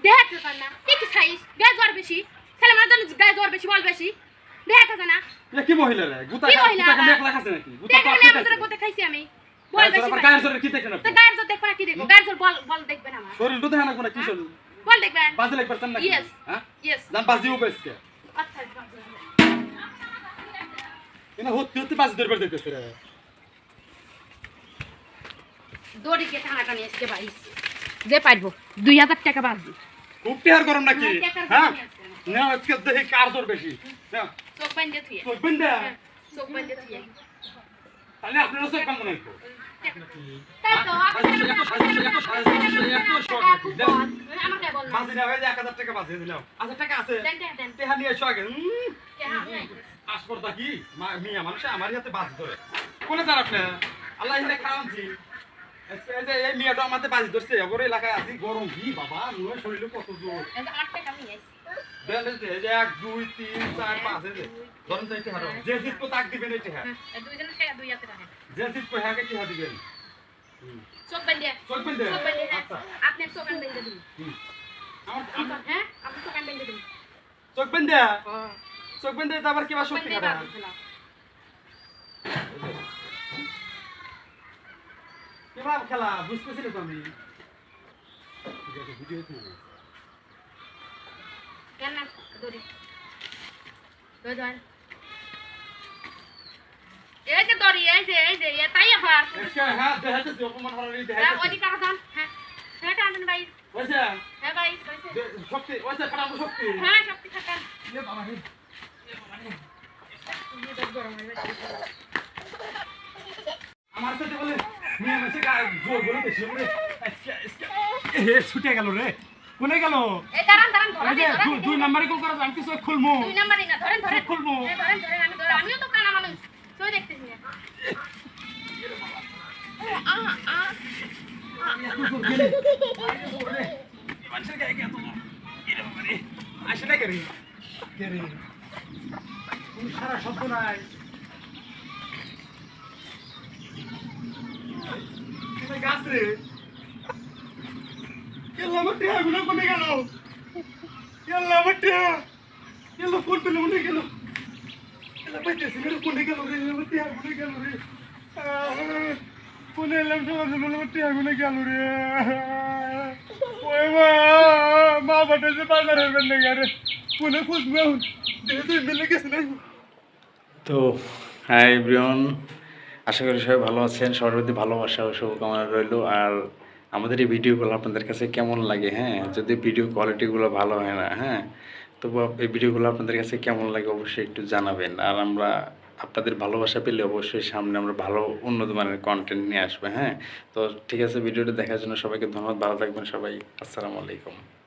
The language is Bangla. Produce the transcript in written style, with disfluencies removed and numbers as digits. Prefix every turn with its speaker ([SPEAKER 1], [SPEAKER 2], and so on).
[SPEAKER 1] দেখাতে পার না কি সাইজ গায়ে জ্বর বেশি ছেলে মেয়ের জন্য গায়ে জ্বর বেশি বল বেশি দেখাতে না
[SPEAKER 2] কি মহিলা রে গুতা মেকলা খাচ্ছে নাকি
[SPEAKER 1] গুতা খাচ্ছে গুতা খাইছি আমি বল বেশি
[SPEAKER 2] গায়ের জোরে কি দেখেন
[SPEAKER 1] তো গায়ের জোর দেখবা কি দেখো গায়ের জোর বল বল দেখবে না আমার
[SPEAKER 2] শরীর তো দেখেন না কি শরীর
[SPEAKER 1] বল দেখবেন
[SPEAKER 2] বাজে লাগবে না
[SPEAKER 1] ইয়েস
[SPEAKER 2] হ্যাঁ
[SPEAKER 1] ইয়েস
[SPEAKER 2] জান বাজি উপেসকে
[SPEAKER 1] আচ্ছা
[SPEAKER 2] এনা হতে বাজি ধরবে দিতেছে রে
[SPEAKER 1] দড়ি কে টানাটা নিয়ে এসে ভাই যে পারবো 2000 টাকা বাজবে
[SPEAKER 2] খুব টিয়ার গরম নাকি হ্যাঁ না আজকে দেখি কার জোর বেশি না
[SPEAKER 1] চোখ বান্ধে থুই
[SPEAKER 2] চোখ বন্ধা
[SPEAKER 1] চোখ বান্ধে থুই
[SPEAKER 2] তাহলে আপনারা চোখ বন্ধ নাই তো
[SPEAKER 1] তাই তো আমাকে বল না
[SPEAKER 2] বাজি না ভাই 1000 টাকা বাজি দিলাম 1000 টাকা আছে
[SPEAKER 1] দেন
[SPEAKER 2] টেহা নিয়ে এসো আগে
[SPEAKER 1] কে
[SPEAKER 2] আসপর্দা কি মিয়া মানুষ আমার হাতে বাজি ধরে কোনে যান আপনি আল্লাহ ইনে খাওয়ানছি এই মিয়াটা আমাদের বাজি ধরছে ওর এলাকায় আছি গরম কি বাবা নয় শরীরে কত জোর
[SPEAKER 1] এই 8 টাকা নিয়ে আইছি
[SPEAKER 2] দেন এই যে 1 2 3 4 5 এই যে ধরুন চাইতে হারো যে জিত কো তাক দিবেন এই টাকা
[SPEAKER 1] দুইজনের টাকা 2000 টাকা
[SPEAKER 2] যে জিত কো হাকে কি দিবেন
[SPEAKER 1] চোখ বান্ধে
[SPEAKER 2] আচ্ছা
[SPEAKER 1] আপনি চোখ বান্ধে দিন
[SPEAKER 2] আমার
[SPEAKER 1] হ্যাঁ আপনি চোখ বান্ধে দিন
[SPEAKER 2] চোখ বন্ধা চোখ বন্ধা আবার কি বা সত্যি
[SPEAKER 1] বান্ধে
[SPEAKER 2] কথা কিভাব খেলা বুঝতেছি না তো আমি ভিডিও হচ্ছে
[SPEAKER 1] কেন না দড়ি দড়ি এই যে দড়ি এই যে তাই আবার
[SPEAKER 2] হ্যাঁ দেখাতে অপমান হরারি
[SPEAKER 1] হ্যাঁ
[SPEAKER 2] দেখাতে
[SPEAKER 1] ওই কাকা যান হ্যাঁ হ্যাঁ টানেন ভাই
[SPEAKER 2] ওইসা
[SPEAKER 1] হ্যাঁ ভাই
[SPEAKER 2] শক্তি ওইসা খারাপ শক্তি
[SPEAKER 1] হ্যাঁ শক্তি থাকেন
[SPEAKER 2] এ বাবা হে আমার সাথে বলে মিয়া মাসে জোর বলে বেশি বলে এ ছুটে গেল রে কোনে গেল
[SPEAKER 1] এই দাঁড়ান
[SPEAKER 2] এই যে দুই নম্বরে কল করা আমি কিছু খুলমু
[SPEAKER 1] দুই নাম্বারই না ধরেন
[SPEAKER 2] খুলমু
[SPEAKER 1] ধরেন আমিও তো কানা মানুষ তুই দেখতেছি না
[SPEAKER 2] মানুষের গায়ে গেত আসে না কেরে কেরে কোন সারা শব্দ নাই গাছ রে কেলা মটে আগুন কোনে গেল কেলা মটে কেলা কোন পেলে মনে গেল কেলা পাইতেছি রে কোনে গেল রে মটে আগুন গেল রে কোনে এলাম সমাজে মটে আগুন গেল রে ওই মা বাটাছে বাজার হবেন না রে কোনে খুঁজবে তুই মিলে গেছে না
[SPEAKER 3] তো হাই এভরিওয়ান, আশা করি সবাই ভালো আছেন। সবার প্রতি ভালোবাসা ও শুভকামনা রইল। আর আমাদের এই ভিডিওগুলো আপনাদের কাছে কেমন লাগে, হ্যাঁ, যদি ভিডিও কোয়ালিটিগুলো ভালো হয় না, হ্যাঁ, তবু এই ভিডিওগুলো আপনাদের কাছে কেমন লাগে অবশ্যই একটু জানাবেন। আর আমরা আপনাদের ভালোবাসা পেলে অবশ্যই সামনে আমরা ভালো উন্নত মানের কন্টেন্ট নিয়ে আসবো, হ্যাঁ। তো ঠিক আছে, ভিডিওটা দেখার জন্য সবাইকে ধন্যবাদ। ভালো থাকবেন সবাই। আসসালামু আলাইকুম।